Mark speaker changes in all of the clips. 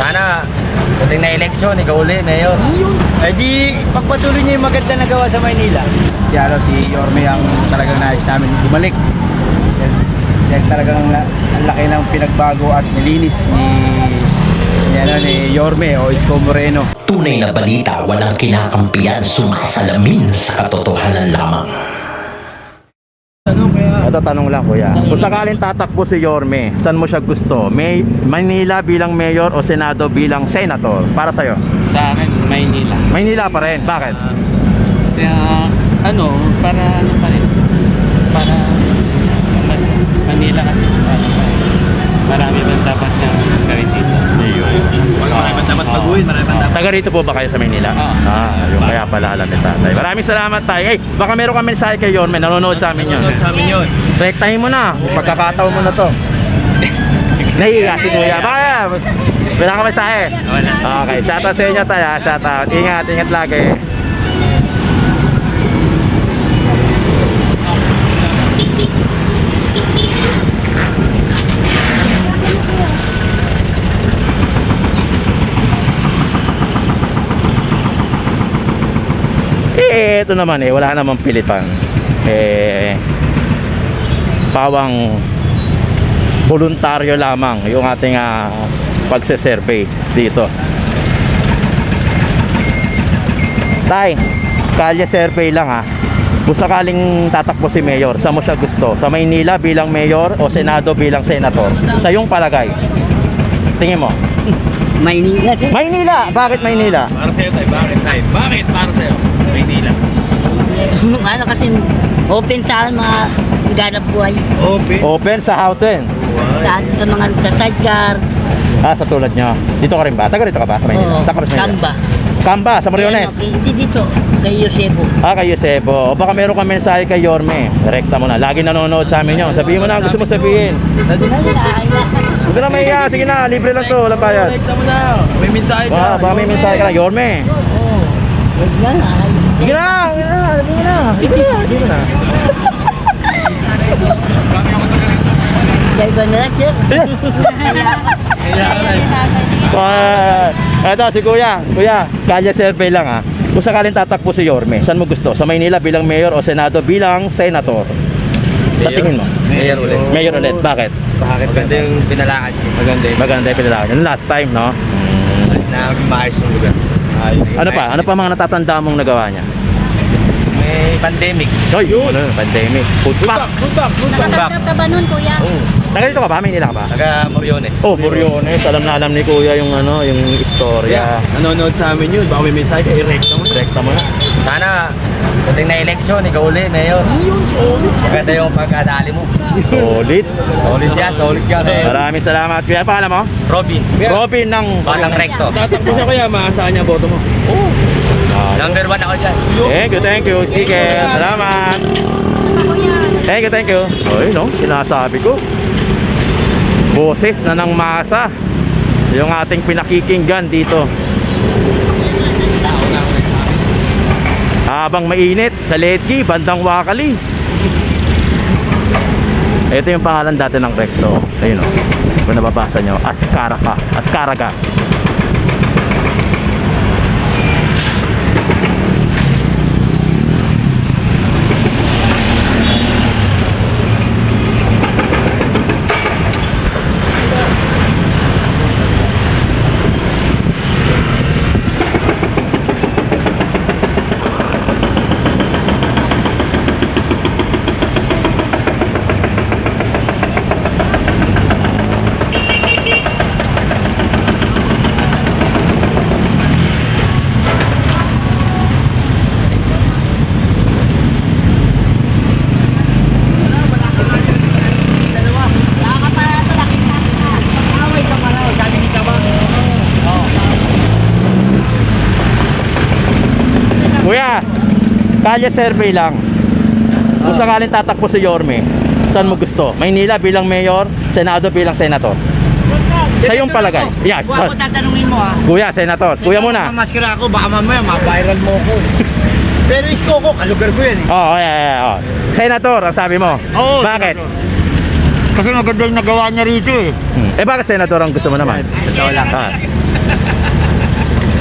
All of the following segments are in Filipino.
Speaker 1: Sana dating na eleksyon, ikaw uli, Mayor.
Speaker 2: Eh di, pagpatuloy niya yung maganda na gawa sa Maynila. Si Yorme ang talagang nais namin bumalik. Yan talagang ang laki ng pinagbago at nilinis ni Yorme o Isko Moreno.
Speaker 3: Tunay na balita, walang kinakampiyan, sumasalamin sa katotohanan lamang.
Speaker 4: Ito tanong lang kuya. Kung sakaling tatakbo si Yorme, saan mo siya gusto? Maynila bilang mayor o Senado bilang senator? Para sa'yo?
Speaker 5: Sa akin, Maynila.
Speaker 4: Maynila pa rin. Bakit?
Speaker 5: Para Manila kasi marami bang dapat na gawin dito.
Speaker 2: Marami pa dapat baguhin, marami pa dapat.
Speaker 4: Taga rito po ba kayo sa Maynila? Yung kaya pala alam ni tatay. Maraming salamat tayo. Baka meron kami mensahe kay Yorme. Nanonood sa amin yun. Rektahin mo na. Pagkakataon mo na to. Nahihiya si kuya. Baka wala ka mensahe? Okay. Shoutout sa inyo tayo. Shoutout. Ingat. Ingat lagi. Ito naman wala namang pilitan. Pawang voluntaryo lamang yung ating pagse-survey dito. Tay, kalye survey lang Kung sakaling tatakbo si Mayor, saan mo siya gusto? Sa Maynila bilang Mayor o Senado bilang Senator? Sa iyong palagay. Tingin mo.
Speaker 6: Maynila.
Speaker 4: Maynila! Bakit Maynila?
Speaker 2: Para sa'yo tayo, bakit tayo? Bakit para sa'yo? Maynila.
Speaker 6: Ano kasi open sa mga ganap buhay.
Speaker 4: Open sa Houghton.
Speaker 6: Sa mga sa sidecar.
Speaker 4: Sa tulad nyo. Dito ka rin ba? Taga rito ka ba? Sa Maynila?
Speaker 6: Oo,
Speaker 4: Taga rin sa Maynila?
Speaker 6: Kamba.
Speaker 4: Kamba, sa Moriones.
Speaker 6: Hindi dito, kay Yosebo.
Speaker 4: Kay Yosebo. O baka meron kang mensahe kay Yorme. Direkta mo na. Lagi nanonood sa amin yun. Sabihin mo na ang gusto mo sabihin. Huwag na mahiya. Sige na, libre lang to. Walang bayad.
Speaker 2: Direkta mo na. May mensahe ka.
Speaker 4: Baka may mensahe ka na. Yorme. Sige na. Sige na. Sige na. Sige na.
Speaker 6: Kaya ba na lang,
Speaker 4: Eto si Kuya. Kuya, kalye survey lang Kung sakaling tatakbo si Yorme, saan mo gusto? Sa Maynila bilang mayor o Senado bilang senator? Sa tingin mo?
Speaker 1: Mayor ulit.
Speaker 4: Mayor ulit. Bakit?
Speaker 1: Maganda yung pinalakad niya.
Speaker 4: Maganda yung pinalakad niya. Last time, no?
Speaker 1: Na maayos yung lugar.
Speaker 4: Ano pa mga natatanda mong nagawa niya?
Speaker 1: May pandemic.
Speaker 4: Hoy, pandemic. Food pack.
Speaker 7: Nakatanggap ka ba nun, kuya?
Speaker 4: Taga dito ka ba? Maynila ka ba?
Speaker 1: Taga Moriones.
Speaker 4: Oh, Moriones. Alam na alam ni Kuya yung yung istorya.
Speaker 2: Nanonood sa amin yun. Baka may mensahe ka, i-rekta mo.
Speaker 4: Direkta mo na.
Speaker 1: Sana dating na eleksyon, ikaw uli, Mayor. Maganda yung pagkadali mo.
Speaker 4: Solid.
Speaker 1: Solid yan.
Speaker 4: Maraming salamat. Kuya, paano mo?
Speaker 1: Robin.
Speaker 4: Robin ng
Speaker 1: Batang Recto.
Speaker 2: Tatakbo siya kaya, maasahan niya boto mo.
Speaker 1: Number 1 ako dyan.
Speaker 4: Thank you. Sticker. Salamat. Thank you. Oy, no? Sinasabi ko. Boses na ng masa. Yung ating pinakikinggan dito. Habang mainit sa Letki, bandang Wakali. Ito yung pangalan dati ng Recto. Ayun o. Kung nababasa nyo, Azcárraga. Kalye survey lang. Kung sakaling tatakbo si Yorme, saan mo gusto? Maynila bilang mayor, Senado bilang senator? Sa iyong palagay. Yeah,
Speaker 6: Kung ako tatanungin mo
Speaker 4: Kuya, senator. Kuya muna.
Speaker 6: Mamaskara ako, baka mamaya ma-viral mo ko. Pero isko ko, kalugar ko yan
Speaker 4: Oh. Senator, ang sabi mo.
Speaker 6: Oo.
Speaker 4: Bakit?
Speaker 6: Kasi maganda yung nagawa niya rito
Speaker 4: Bakit senator ang gusto mo naman?
Speaker 1: Totoo lang.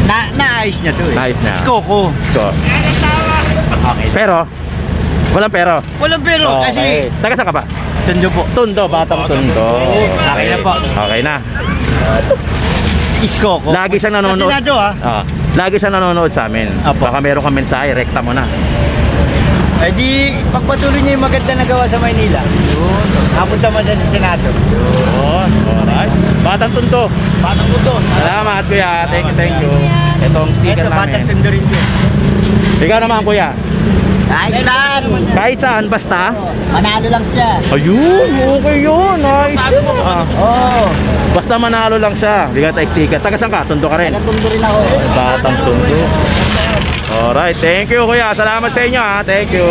Speaker 6: Naayos niya to eh.
Speaker 4: Naayos niya.
Speaker 6: Coco.
Speaker 4: So,
Speaker 6: Okay.
Speaker 4: pero, walang pero.
Speaker 6: Walang pero kasi
Speaker 4: Taga saan ka ba?
Speaker 6: Tondo po.
Speaker 4: Tondo, Batang Tondo.
Speaker 6: Okay na po.
Speaker 4: Okay na.
Speaker 6: Iskoko.
Speaker 4: Lagi siyang nanonood.
Speaker 6: Sa Senado
Speaker 4: Lagi siyang nanonood sa amin.
Speaker 6: Apo.
Speaker 4: Baka meron kang mensahe, rekta mo na.
Speaker 6: Eh di, pagpatuloy niya yung maganda na gawa sa Maynila. Napunta man siya sa Senado.
Speaker 4: Yun, alright. Batang Tondo.
Speaker 6: Batang Tondo.
Speaker 4: Salamat kuya, thank you. Itong sticker
Speaker 6: Ito, Batang
Speaker 4: namin.
Speaker 6: Tondo rin din.
Speaker 4: Ikaw naman kuya.
Speaker 6: Kahit saan.
Speaker 4: Kahit saan, basta.
Speaker 6: Manalo lang siya.
Speaker 4: Ayun, okay yun. Nice.
Speaker 6: Oo.
Speaker 4: Basta manalo lang siya. Bigyan tayo sticker. Taga saan ka? Tondo ka rin.
Speaker 6: Tondo rin ako.
Speaker 4: Batang Tondo. Alright, thank you kuya. Salamat sa inyo ha. Thank you.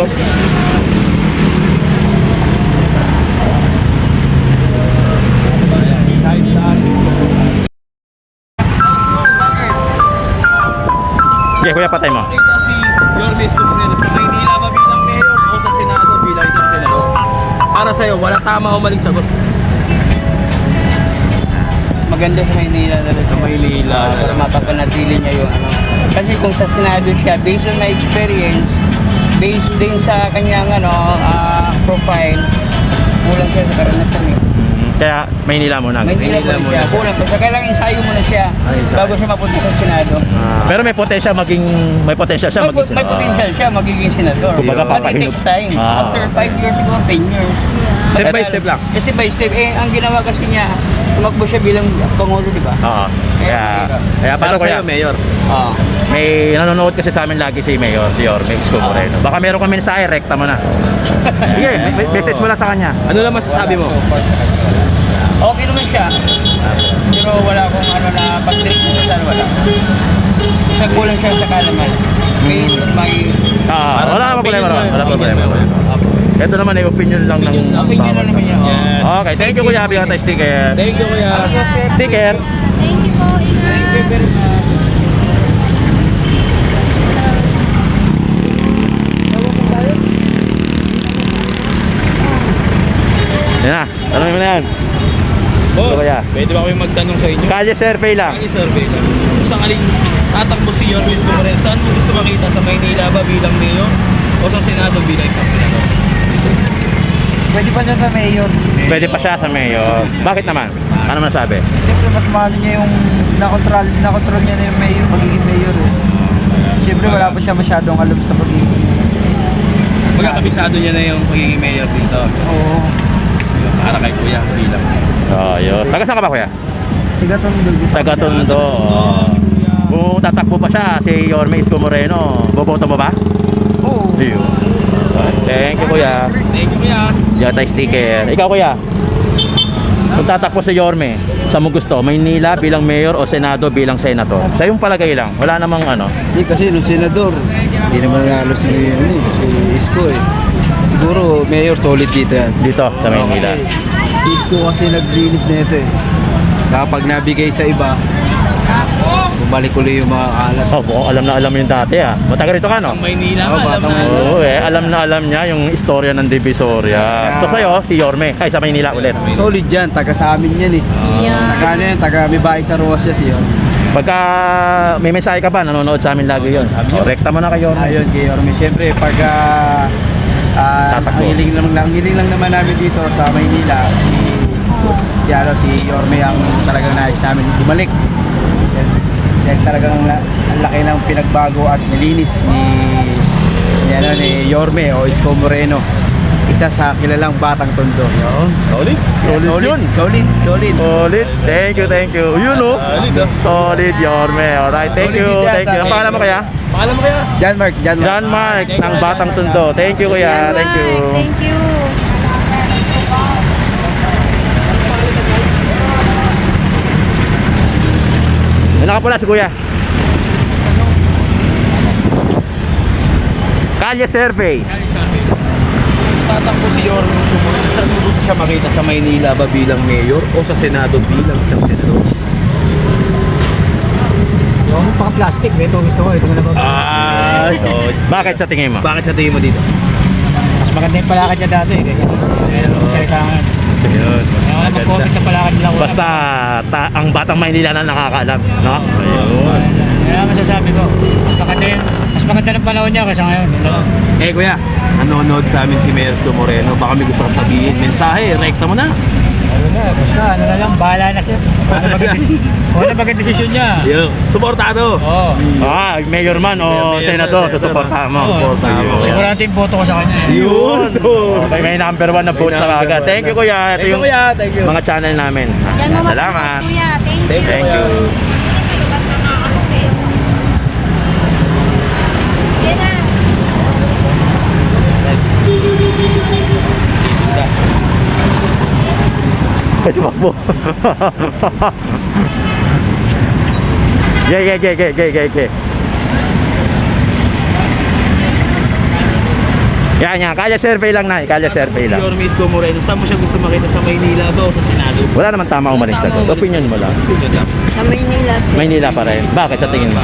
Speaker 4: Sige kuya, patay mo.
Speaker 8: Si Yorme Escudero sa Maynila ba bilang mayor o sa Senado bilang isang senador? Para sa'yo, wala tama o maling sagot.
Speaker 5: Maganda sa Maynila talaga.
Speaker 8: Sa Maynila.
Speaker 5: Para mapapanatili niya yung ano. Kasi kung sa Senado siya, based on my experience, based din sa kanyang profile, kulang siya sa karanasan eh.
Speaker 4: Kaya Maynila muna.
Speaker 5: Maynila muna siya, kulang pa siya. Kailangan ensayo muna siya bago siya mapunta sa Senado.
Speaker 4: Pero may potential may potential siya maging
Speaker 5: May potential siya magiging senador.
Speaker 4: Kumbaga,
Speaker 5: But it
Speaker 4: papahinot.
Speaker 5: takes time. After 5 years siguro, 10 years.
Speaker 8: Step by step lang.
Speaker 5: Step by step. Eh, ang ginawa kasi niya, tumakbo siya bilang Pangulo, di ba?
Speaker 4: Oo. Kaya
Speaker 8: Para
Speaker 4: paano kuya?
Speaker 8: sa'yo, mayor.
Speaker 5: Oo.
Speaker 4: May nanonood kasi sa amin lagi si Mayor, si Yorme Escudero. Baka meron kang mensahe, rekta mo na. Sige, message mo lang sa kanya.
Speaker 8: Ano lang masasabi mo?
Speaker 5: Okay naman siya. Pero wala akong na pag-direct mo sa wala. Kasi kulang siya sa kalaman. Based on my
Speaker 4: Wala
Speaker 8: sa
Speaker 4: problema.
Speaker 8: opinion mo,
Speaker 4: Wala problema. Ito naman ay opinion lang ng
Speaker 5: opinion na naman niya.
Speaker 8: Yes.
Speaker 4: Okay, thank you kuya. Bigyan tayo sticker.
Speaker 8: Thank you, kuya.
Speaker 4: Sticker.
Speaker 7: Thank you po. Ingat.
Speaker 4: Yan na. Tanongin mo na yan.
Speaker 8: Boss,
Speaker 4: Ito, kuya.
Speaker 8: pwede ba kami magtanong sa inyo?
Speaker 4: Kalye survey lang.
Speaker 8: Ang survey lang. Kung sakaling tatakbo si Yorme Escudero, saan mo gusto makita? Sa Maynila ba bilang mayor o sa Senado bilang isang senador?
Speaker 2: Pwede pa siya sa mayor.
Speaker 4: Pwede pa siya sa mayor. Bakit naman? Ano masabi?
Speaker 2: Siyempre mas mahalo niya yung nakontrol niya na yung mayor, magiging mayor eh. Siyempre wala pa siya masyadong alam sa pagiging.
Speaker 8: Magkakabisado niya na yung pagiging mayor dito.
Speaker 2: Oo.
Speaker 8: Para kay kuya bilang.
Speaker 4: Yun. Taga saan ka ba kuya?
Speaker 2: Tiga-tondo.
Speaker 4: Taga Tondo. Kung tatakbo pa siya, si Yorme Escudero, boboto mo ba?
Speaker 2: Oo.
Speaker 4: Yun. Thank you kuya.
Speaker 8: Thank you, kuya.
Speaker 4: Diyan tayo sticker. Ikaw kuya, kung tatakbo si Yorme, saan mo gusto? Maynila bilang mayor o Senado bilang senator? Sa yung palagay lang, wala namang ano.
Speaker 2: Hindi kasi nung senador, hindi naman nanalo si Isko eh. Siguro mayor solid dito yan.
Speaker 4: Dito sa Maynila.
Speaker 2: Si Isko kasi naglinis na ito eh. Kapag nabigay sa iba, bumalik ulit yung mga kalat.
Speaker 4: Oh, alam na alam yung dati ah. Matagal rito ka no?
Speaker 8: Ang Maynila,
Speaker 2: Oo,
Speaker 8: alam
Speaker 2: batang
Speaker 8: na.
Speaker 4: Oo alam na alam niya yung istorya ng Divisoria. So sa'yo, si Yorme, ay sa Maynila ulit.
Speaker 2: Solid yan, taga sa amin yan eh. Taga ano yan, taga may bahay sa Roas siya siya.
Speaker 4: Pagka may mensahe ka ba, nanonood sa amin lagi yun. Rekta mo na kay Yorme.
Speaker 2: Ayun kay Orme. Siyempre pagka ang
Speaker 4: Tatakbo.
Speaker 2: hiling lang naman namin dito sa Maynila, si Yorme ang talagang nais namin bumalik. Dahil talagang ang laki ng pinagbago at nilinis ni Yorme o Isko Moreno. Isa sa kilalang Batang Tondo.
Speaker 4: Solid. Solid yun.
Speaker 2: Solid.
Speaker 4: Solid. Thank you. Yun o. Solid Yorme. Alright, thank
Speaker 2: Solid
Speaker 4: you.
Speaker 2: din yan
Speaker 4: Thank you.
Speaker 2: sa
Speaker 4: Ang pangalan mo kaya?
Speaker 8: Pangalan mo kaya?
Speaker 2: John Mark.
Speaker 4: ng Batang Tondo. Thank you kuya. Thank you.
Speaker 7: Thank you.
Speaker 4: Nakapula si kuya. Kalye survey.
Speaker 8: Kali survey. Tatakbo si Yorme Escudero, saan mo gusto siya makita? Sa Maynila ba bilang mayor o sa Senado bilang isang senador?
Speaker 6: Yung paka-plastic, ito gusto ko. Ito na ba?
Speaker 4: So, bakit sa tingin mo?
Speaker 8: Bakit sa tingin mo dito?
Speaker 6: Mas maganda yung palakad niya dati. Kasi meron kong salitangan.
Speaker 4: Ayun.
Speaker 6: Mag-comment sa palakad nila.
Speaker 4: Basta ang Batang Maynila na nakakaalam, no? Ayun.
Speaker 6: Kaya ang masasabi ko, mas maganda ng panahon niya kaysa ngayon.
Speaker 8: Eh kuya, nanonood sa amin si Mayor Sto Moreno. Baka may gusto ka sabihin. Mensahe, rekta mo na.
Speaker 6: Ano na, basta ano na lang, bahala na siya. Ano maging desisyon niya.
Speaker 8: Yo, suportado.
Speaker 6: Oo.
Speaker 4: Mayor man o
Speaker 8: Mayor,
Speaker 4: senator,
Speaker 8: senator.
Speaker 4: susuportahan mo.
Speaker 8: Suportahan mo.
Speaker 6: Sigurado yung boto ko sa kanya.
Speaker 8: Yun. So,
Speaker 4: Okay, may number 1 na vote sa kaga. Thank you kuya. Ito
Speaker 8: Thank you,
Speaker 4: yung
Speaker 8: kuya. Thank you.
Speaker 4: mga channel namin.
Speaker 7: Yan mo
Speaker 4: Salamat.
Speaker 7: kuya. Thank you.
Speaker 4: Thank you.
Speaker 7: Yan na.
Speaker 4: Ito po. Gay. Yan. Kalye survey lang na. Kalye survey
Speaker 8: Si
Speaker 4: lang.
Speaker 8: Yorme Isko Moreno, saan mo siya gusto makita? Sa Maynila ba o sa Senado?
Speaker 4: Wala naman tama o maling sagot. Opinion mo lang.
Speaker 7: Sa Maynila.
Speaker 4: Maynila pa rin. Bakit sa tingin mo?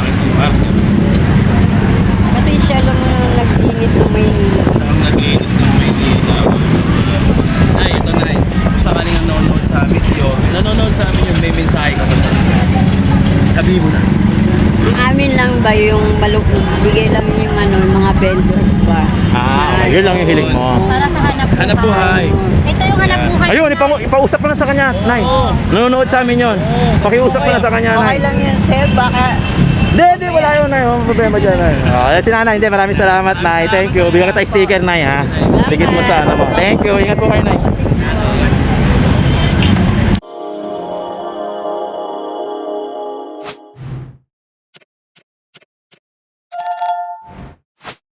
Speaker 7: Kasi siya lang ang naglinis ng Maynila.
Speaker 8: Ang naglinis ng Maynila. Nay, ito Nay. Sakaling ang nanonood sa amin si Yorme. Nanonood sa amin yung may mensahe ka ba sa amin? Sabihin mo na.
Speaker 7: Ang amin lang ba yung bigay lang yung yung mga vendors ba?
Speaker 4: Yun lang yung hiling mo.
Speaker 7: Para sa
Speaker 8: Hanap buhay.
Speaker 7: Ito yung hanap buhay.
Speaker 4: Ayun, ipausap mo na sa kanya, Nay. Nanonood sa amin yun. Pakiusap mo na sa kanya,
Speaker 7: Okay
Speaker 4: Nay.
Speaker 7: lang yun, sir. Baka
Speaker 4: Hindi, wala yun, Nay. Walang problema dyan, Nay. Si Nanay, hindi. Maraming salamat, Nay. Thank you. Bigyan kita sticker, Nay, ha. Bigyan mo sa ano mo. Thank you. Ingat po kayo, Nay.